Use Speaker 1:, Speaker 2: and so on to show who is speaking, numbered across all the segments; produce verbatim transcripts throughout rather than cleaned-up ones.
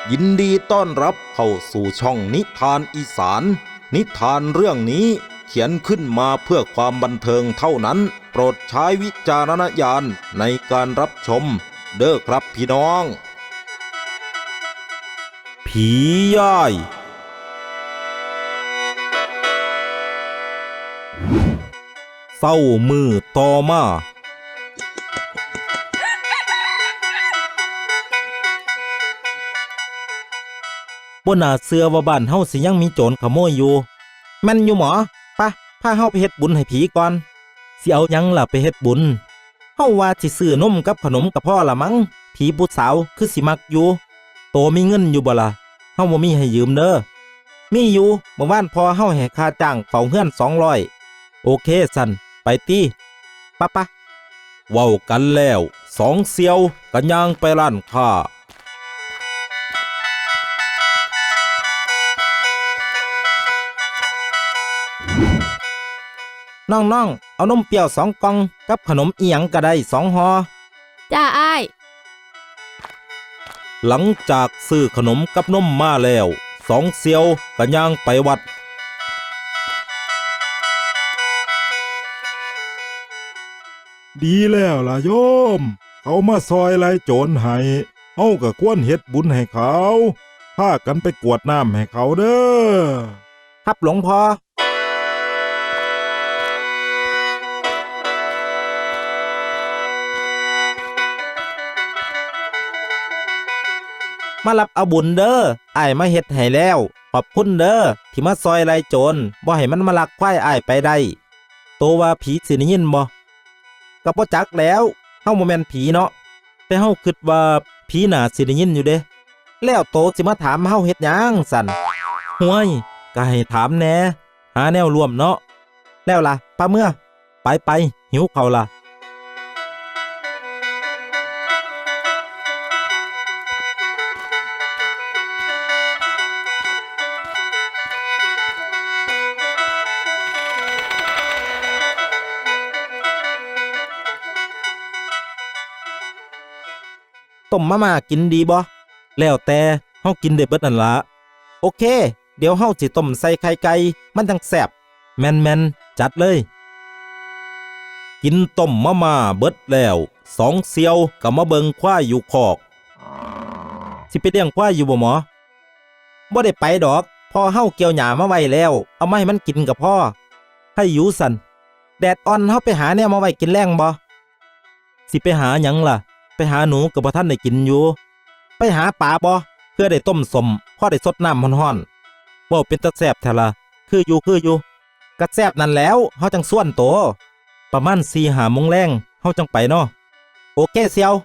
Speaker 1: ยินดีต้อนรับเข้าสู่ช่องนิทานอีสานนิทานเรื่องนี้เขียนขึ้นมาเพื่อความบันเทิงเท่านั้นโปรดใช้วิจารณญาณในการรับชมเด้อครับพี่น้องผีย่ายเศร้ามือต่อมาบ่น่าเชื่อว่าบ้านเฮาสิยังมีโจรขโมยอยู่แม่นอยู่หมอปะพาเฮาไปเฮ็ดบุญให้ผีก่อนสิเอาหยังล่ะไปเฮ็ดบุญเฮาว่าสิซื้อนมกับขนมกับพ่อละมั้งผีผู้สาวคือสิมักอยู่โตมีเงินอยู่บ่ล่ะเฮาบ่มีให้ยืมเด้อมีอยู่เมื่อวานพอเฮาให้ค่าจ้างเฝ้าเฮือนสองร้อยโอเคสั่นไปติปะปะเว้ากันแล้วสองเสี่ยวก็ย่างไปร้านค้าน้องๆเอานมเปรี้ยวสองกล่องกับขนมอีหยังก็ได้สองห่อ
Speaker 2: จ้าอ้าย
Speaker 1: หลังจากซื้อขนมกับนมมาแล้วสองเสี่ยวก็ย่างไปวัด
Speaker 3: ดีแล้วล่ะโยมเขามาซอยไล่โจรให้เฮาก็ควรเฮ็ดบุญให้เขาพากันไปกรวดน้ำให้เขาเด้อ
Speaker 1: ครับหลวงพ่อมารับเอาบุญเด้ออ้ายมาเฮ็ดให้แล้วขอบคุณเด้อที่มาซอยไล่โจรบ่ให้มันมาลักควายอ้ายไปได้โตว่าผีสิได้ยินบ่ก็บ่จักแล้วเฮาบ่แม่นผีเนาะแต่เฮาคิดว่าผีน่าสิได้ยินอยู่เด้แล้วโตสิมาถามเฮาเฮ็ดหยังสั่นห่วยก็ให้ถามแหน่หาแนวร่วมเนาะแล้วล่ะป้าเมื่อไปไปหิวข้าวล่ะต้มมาม่ากินดีบ่แล้วแต่เฮากินได้เบิดนั่นล่ะโอเคเดี๋ยวเฮาสิต้มใส่ไข่ไก่มันจังแซ่บแม่นๆจัดเลยกินต้มมาม่าเบิดแล้วสองเสี่ยวก็มาเบิ่งควายอยู่คอกสิไปเลี้ยงควายอยู่บ่หมอบ่ได้ไปดอกพอเฮาเกี่ยวหญ้ามาไว้แล้วเอามาให้มันกินกับพ่อให้อยู่สั่นแดดอ่อนเฮาไปหาแนวมาไว้กินแรงบ่สิไปหาหยังล่ะไปหาหนูกับบ่ทันได้กินอยู่ไปหาปลาบ่เพื่อได้ต้มสมพอได้สดน้ำร้อนๆบ่เป็นตาแซ่บแท้ล่ะคืออยู่คืออยู่ก็แซ่บนั่นแล้วเฮาจังส่วนโตประมาณ สี่ห้า โมงแลงเฮาจังไปเนาะโอเคเสี่ยว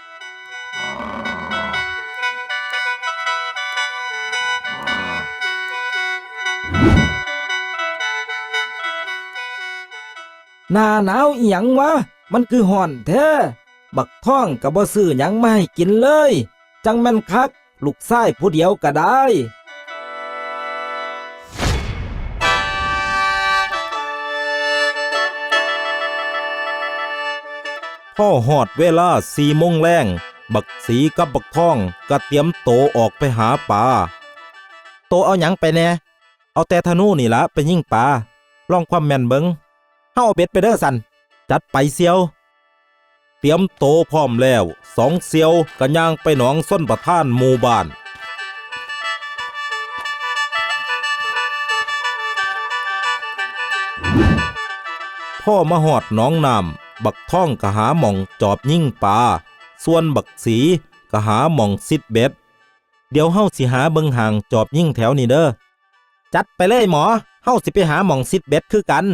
Speaker 4: หน้าหนาวอีหยังวะมันคือฮ้อนแท้บักท่องก็บ่ซื้อหยังมาให้กินเลยจังแม่นคักลูกชายผู้เดียวก็ได้
Speaker 1: พ่อฮอดเวลา สี่ โมงแลงบักสีกับบักท่องก็เตรียมโตออกไปหาปลาโตเอาหยังไปแน่เอาแต่ธนูนี่ล่ะไปยิงปลาลองความแม่นเบิ่งเฮาเอาเบ็ดไปเด้อสั่นจัดไปเสี่ยวเตรียมโตพร้อมแล้วสองเสี่ยวก็ย่างไปหนองส้นประทานหมู่บ้านพ่อมาหอดหนองน้ำบักท่องก็หาหม่องจอบยิงปลาส่วนบักสีก็หาหม่องซิดเบ็ดเดี๋ยวเฮาสิหาเบิ่งห่างจอบยิงแถวนี้เด้อจัดไปเลยหมอเฮาสิไปหาหม่องซิดเบ็ดคือกัน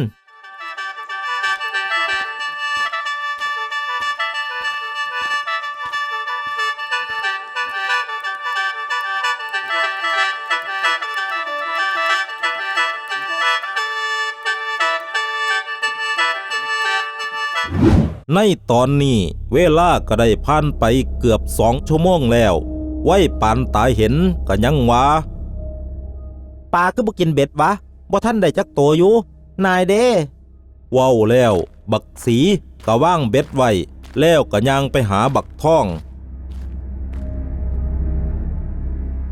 Speaker 1: ในตอนนี้เวลาก็ได้ผ่านไปเกือบสองชั่วโมงแล้วไว้ปานตายเห็นก็ยังว่าปลาคือบ่กินเบ็ดวะบ่ทันได้จักตัวอยู่นายเด้ว้าวแล้วบักสีก็ว่างเบ็ดไว้แล้วก็ย่างไปหาบักท่อง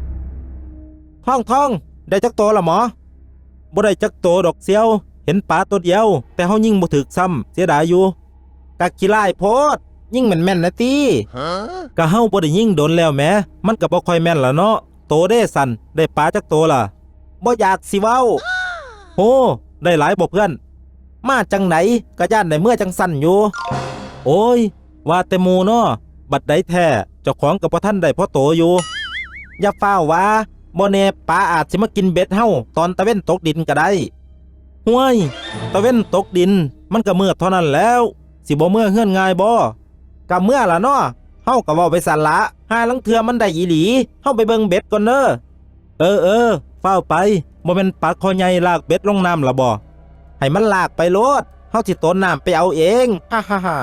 Speaker 1: ท่องท่องได้จักโตละหมอบ่ได้จักโตดอกเสียวเห็นปลาตัวเดียวแต่เฮายิงบ่ถึกซ้ำเสียดายอยู่กะขี้ร้ายโพดยิงแม่นๆนะติกะเฮาบ่ได้ยิงโดนแล้วแหมมันก็บ่ค่อยแม่นล่ะเนาะโตเด้สั่นได้ปลาจักโตล่ะบ่อยากสิเว้าโหได้หลายบ่เพื่อนมาจังไหนก็ย่านได้เมื่อจังสั่นอยู่โอ้ยว่าแต่หมู่เนาะบัดใดแท้เจ้าของก็บ่ทันได้พอโตอยู่อย่าฟ้าวว่าบ่แน่ปลาอาจสิมากินเบ็ดเฮาตอนตะเว้นตกดินก็ได้ห่วยตะเว้นตกดินมันก็มืดเท่านั้นแล้วสิบ่เมื่อเฮือนง่ายบ่ก็เมื่อล่ะเนาะเฮาก็เว้าไปสั่นละหาลังเทื่อมันได้อีหลีเฮาไปเบิ่งเบ็ดก่อนเด้อเออเออฟ้าวไปบ่แม่นปลาคอใหญ่ลากเบ็ดลงน้ำล่ะบ่ให้มันลากไปโลดเฮาสิโตนน้ำไปเอาเองฮ่าฮ่าฮ่า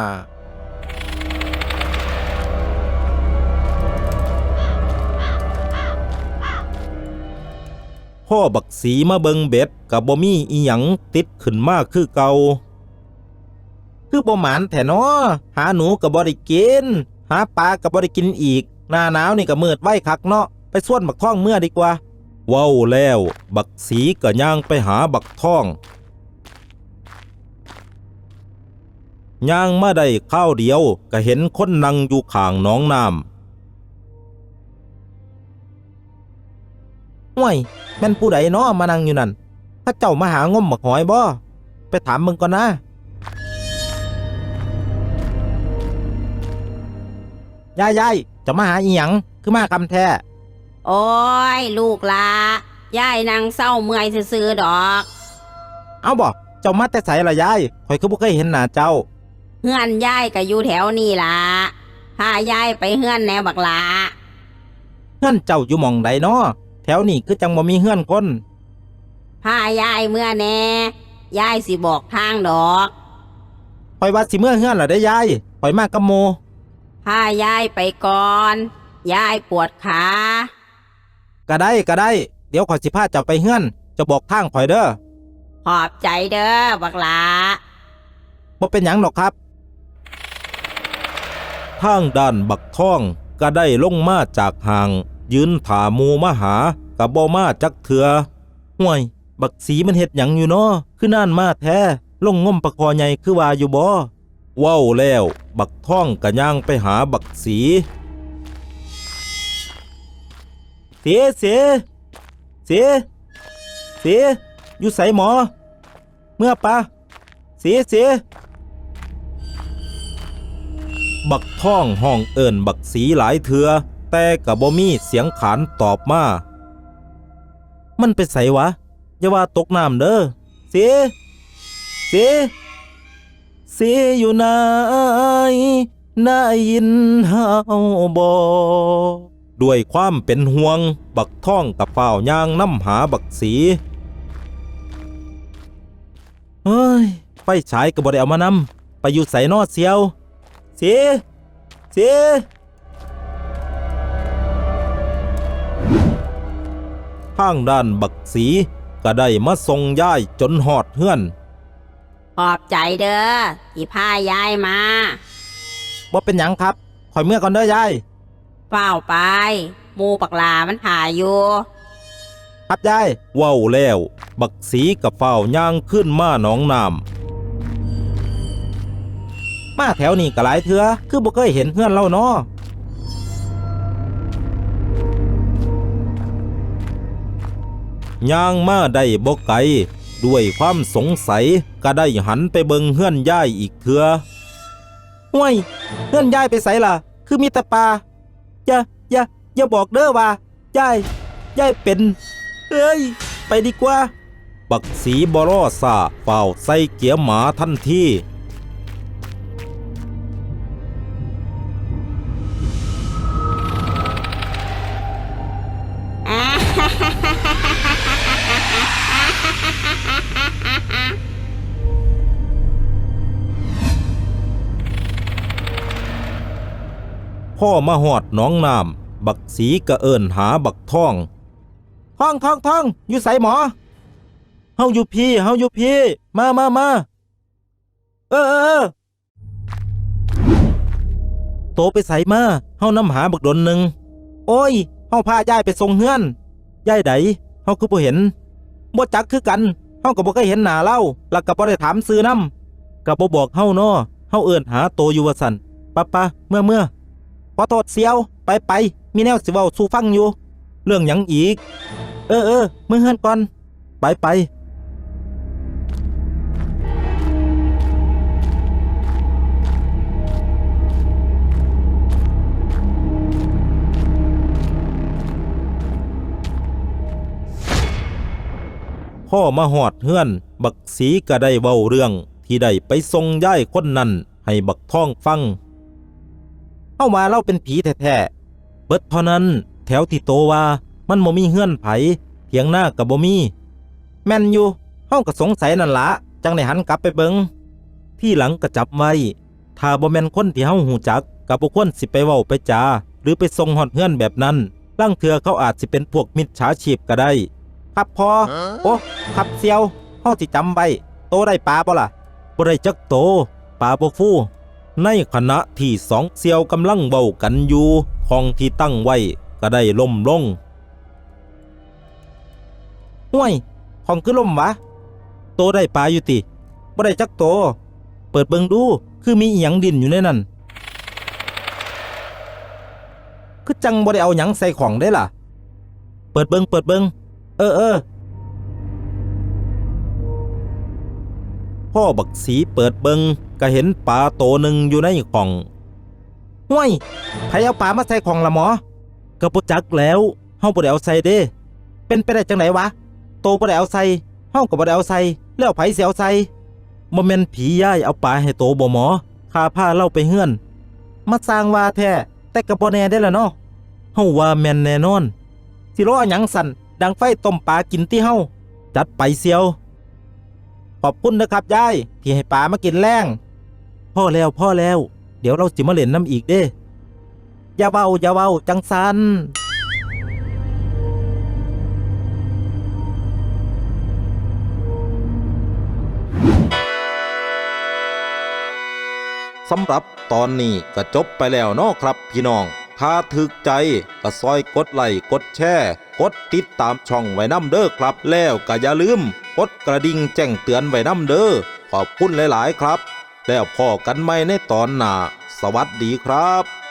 Speaker 1: พ่อบักสีมาเบิงเบ็ดกับบ่มีอีหยังติดขึ้นมาคือเก่าคือบ่หมานแท้น้อหาหนูก็บ่ได้กินหาปลาก็บ่ได้กินอีกหน้าหนาวนี่ก็มืดไว้คักเนาะไปส่วนบักท่องเมื่อดีกว่าเว้าแล้วบักสีก็ย่างไปหาบักท่องย่างมาได้ข้าวเดียวก็เห็นคนนั่งอยู่ข้างหนองน้ำห่วยแม่นผู้ใดเนาะมานั่งอยู่นั่นถ้าเจ้ามาหางมบักหอยบ่ไปถามมึงก่อนนะยายยายจะมาหาอีหยังคือมากำแท้
Speaker 2: โอ้ยลูกละยายนางเศร้าเมื่อยซื่อๆดอก
Speaker 1: เอาบ่เจ้ามาแต่ไสล่ะยายข่อยคือบ่เคยเห็นหน้าเจ้า
Speaker 2: เฮือนยายก็อยู่แถวนี่ละพายายไปเฮือนแนวบักหลา
Speaker 1: เฮือนเจ้าอยู่หม่องใดเนาะแถวนี้คือจังบ่มีเฮือนคน
Speaker 2: พายายเมื่อแน่ยายสิบอกทางดอก
Speaker 1: ข่อยว่าสิเมื่อเฮือนล่ะได้ยายข่อยมากับหมู่
Speaker 2: พายายไปก่อนยายปวดขา
Speaker 1: ก็ได้ก็ได้เดี๋ยวข่อยสิพาเจ้าไปเฮือนจะบอกทางข่อยเด้อ
Speaker 2: ขอบใจเด้อบักหลา
Speaker 1: บ่เป็นหยังหรอกครับทางด้านบักท่องก็ได้ลงมาจากห่างยืนถาหมู่มาหากับบ่มาจักเถือห่วยบักสีมันเฮ็ดหยังอยู่เนาะคือน่านมาแท้ลงงมปะคอใหญ่คือว่าอยู่บ่เว้าแล้วบักท่องก็ย่างไปหาบักสีเสียเสียเสียเสียอยู่ไสหมอเมื่อปะเสียเสียบักท่องห้องเอิ้นบักสีหลายเถือแต่ก็บ่มีเสียงขานตอบมามันไปไสวะอย่าว่าตกน้ำเด้อเสียเสียเสียอยู่ไหนได้ยินเฮาบ่ด้วยความเป็นห่วงบักท่องกับฝ้าวย่างน้ำหาบักสีเฮ้ยไฟฉายก็บ่ได้เอามานำไปอยู่ไสนอเสียวเสียเสียทางด้านบักสีก็ได้มาส่งย้ายจนหอดเฮือน
Speaker 2: ขอบใจเด้อที่พายายมา
Speaker 1: บ่เป็นหยังครับข่อยเมื่อก่อนเด้อยาย
Speaker 2: เฝ้าไปหมูปักหลามันถ่ายอยู่
Speaker 1: ครับยายเว้าแล้วบักสีกับฝ้าวย่างขึ้นมาหนองน้ำมาแถวนี้ก็หลายเถือคือบ่เคยเห็นเฮือนเล่าเนาะย่างมาได้บ่ไกลด้วยความสงสัยก็ได้หันไปเบิงเฮือนยายอีกเถือห่วยเฮือนยายไปไสล่ะคือมีแต่ป่าอย่าอย่าอย่าบอกเด้อว่ายายยายเป็นเอ้ยไปดีกว่าบักสีบรอซาเฝ้าใส่เกียร์หมาทันทีพ่อมาหอดหนองน้ำบักสีกระเอินหาบักท่องท่องท่องท่องอยู่ไสหมอเฮาอยู่พี่เฮาอยู่พี่มามามาเออเออเออโตไปไสมาเฮานำหาบักดนหนึ่งโอ้ยเฮาพายายไปส่งเฮือนยายใดเฮาคือบ่เห็นบ่จักคือกันเฮาก็บ่เคยเห็นหน้าเล่าแล้วก็บ่ได้ถามซื้อนำก็บ่บอกเฮาเนาะเฮาเอิ้นหาโตอยู่ว่าซั่นปะปะเมื่อเมื่อขอโทษเสียวไปไปมีแนวสิเว้าสู่ฟังอยู่เรื่องหยังอีกเออเออมื้อเฮือนก่อนไปไปพ่อมาหอดเฮือนบักสีก็ได้เว้าเรื่องที่ได้ไปส่งย้ายคนนั้นให้บักท่องฟังเฮามาเล่าเป็นผีแท้ๆเบิดเท่านั้นแถวที่โตว่ามันบ่มีเฮือนไผเถียงหน้าก็บ่มีแม่นอยู่เฮาก็สงสัยนั่นละจังได้หันกลับไปเบิงที่หลังก็จับไว้ถ้าบ่แม่นคนที่เฮาฮู้จักก็บ่ควรสิไปเว้าไปจาหรือไปส่งฮอดเฮือนแบบนั้นลางเทื่อเขาอาจสิเป็นพวกมิจฉาชีพก็ได้ครับพอโอ้ครับเซียวเฮาสิจำไว้โตได้ปลาบ่ล่ะบ่ได้จักโตปลาบ่ฟูในขณะที่สองเซียวกำลังเว้ากันอยู่ของที่ตั้งไว้ก็ได้ล่มลงห่วยของคือล่มวะโตได้ปลาอยู่ติบ่ได้จักโตเปิดเบิ่งดูคือมีอีหยังดินอยู่ในนั้นคือจังบ่ได้เอาหยังใส่ของได้ล่ะเปิดเบิ่งเปิดเบิ่งเออเออพ่อบักสีเปิดเบิงก็เห็นปลาโตหนึ่งอยู่ในของห้วยไผเอาปลามาใส่ของละหมอกระปุจักแล้วเฮาบ่ได้เอาใส่เด้เป็นไปได้จังไหนวะโตบ่ได้เอาใส่เฮาก็บ่ได้เอาใส่แล้วไผสิเอาใส่บ่แม่นผีย้ายเอาปลาให้โตบ่หมอข้าพาเล่าไปเฮือนมาสร้างว่าแท้แต่ก็บ่แน่ได้ล่ะเนาะเฮาว่าแม่นแน่นอนสิรอหยังสั่นดังไฟต้มปลากินที่เฮาจัดไปเสียวขอบคุณนะครับยายที่ให้ปลามากินแรงพ่อแล้วพ่อแล้วเดี๋ยวเราสิมาเล่นน้ำอีกเด้อย่าเว้าอย่าเว้าจังซันสำหรับตอนนี้ก็จบไปแล้วเนาะครับพี่น้องถ้าถึกใจก็ซอยกดไลค์กดแชร์กดติดตามช่องไว้นำเด้อครับแล้วก็อย่าลืมกดกระดิ่งแจ้งเตือนไว้นำเด้อขอบคุณหลายๆครับแล้วพอกันใหม่ในตอนหน้าสวัสดีครับ